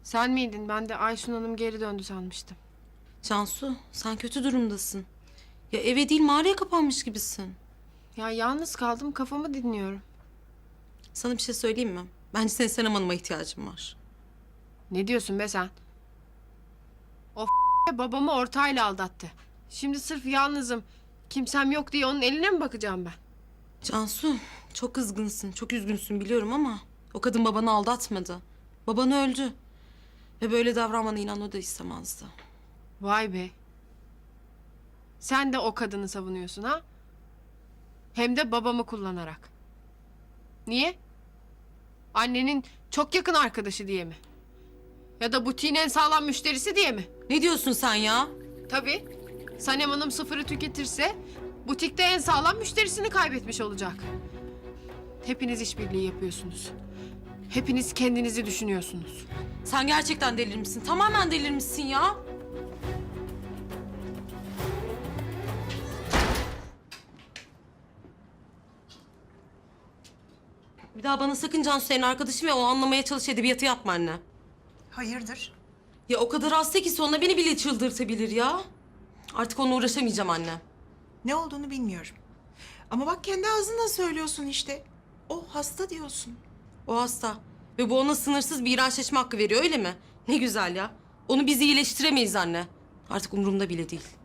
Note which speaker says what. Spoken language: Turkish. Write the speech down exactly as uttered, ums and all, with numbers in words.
Speaker 1: Sen miydin? Ben de Ayşun Hanım geri döndü sanmıştım.
Speaker 2: Cansu, sen kötü durumdasın. Ya eve değil mağaraya kapanmış gibisin.
Speaker 1: Ya yalnız kaldım, kafamı dinliyorum.
Speaker 2: Sana bir şey söyleyeyim mi? Bence senin Senem Hanım'a ihtiyacın var.
Speaker 1: Ne diyorsun be sen? O babamı ortağıyla aldattı. Şimdi sırf yalnızım, kimsem yok diye onun eline mi bakacağım ben?
Speaker 2: Cansu, çok kızgınsın, çok üzgünsün biliyorum ama... ...o kadın babanı aldatmadı. Baban öldü. Ve böyle davranmanı inan o da istemezdi.
Speaker 1: Vay be. Sen de o kadını savunuyorsun ha? Hem de babamı kullanarak. Niye? Annenin çok yakın arkadaşı diye mi? Ya da butiğin en sağlam müşterisi diye mi?
Speaker 2: Ne diyorsun sen ya?
Speaker 1: Tabii. Sanem Hanım sıfırı tüketirse butikte en sağlam müşterisini kaybetmiş olacak. Hepiniz işbirliği yapıyorsunuz. Hepiniz kendinizi düşünüyorsunuz.
Speaker 2: Sen gerçekten delirmişsin, tamamen delirmişsin ya. Bir daha bana sakın Cansu senin arkadaşım ve o anlamaya çalış edebiyatı yapma anne.
Speaker 3: Hayırdır?
Speaker 2: Ya o kadar hasta ki sonra beni bile çıldırtabilir ya. Artık onunla uğraşamayacağım anne.
Speaker 3: Ne olduğunu bilmiyorum. Ama bak kendi ağzından söylüyorsun işte. O hasta diyorsun.
Speaker 2: O hasta ve bu ona sınırsız bir iğrençleşme hakkı veriyor öyle mi? Ne güzel ya. Onu biz iyileştiremeyiz anne. Artık umurumda bile değil.